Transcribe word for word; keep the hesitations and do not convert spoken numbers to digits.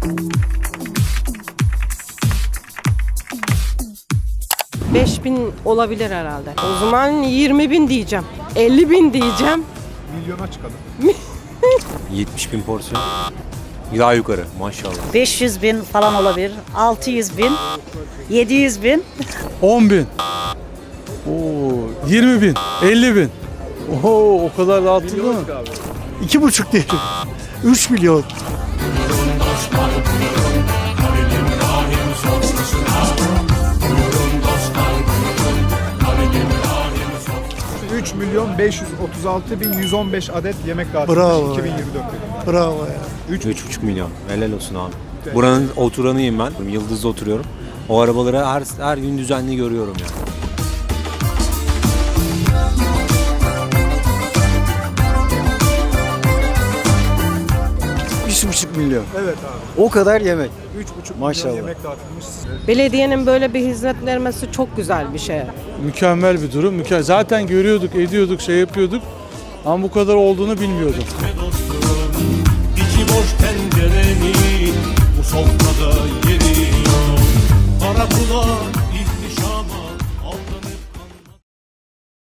beş bin olabilir herhalde. O zaman yirmi bin diyeceğim. elli bin diyeceğim. Milyona çıkalım. yetmiş bin porsiyon. Daha yukarı maşallah. beş yüz bin falan olabilir. altı yüz bin, yedi yüz bin. on bin. Oo, yirmi bin, elli bin. Oo, o kadar dağıtıldı mı? İki buçuk değil. Üç milyon. üç milyon beş yüz otuz altı bin yüz on beş adet yemek dağıtılmış Bravo iki bin ya. yirmi dört yılında. Bravo ya. üç buçuk milyon. Helal olsun abi. Buranın oturanıyım ben. Yıldız'da oturuyorum. O arabaları her, her gün düzenli görüyorum yani. Üç buçuk milyon. Evet abi. O kadar yemek. üç buçuk Maşallah. milyon yemek dağıtılmış. Belediyenin böyle bir hizmet vermesi çok güzel bir şey. Mükemmel bir durum. Mükemmel. Zaten görüyorduk, ediyorduk, şey yapıyorduk. Ama bu kadar olduğunu bilmiyordum. İçi boş tencereni bu sofrada yeri yok. Para pula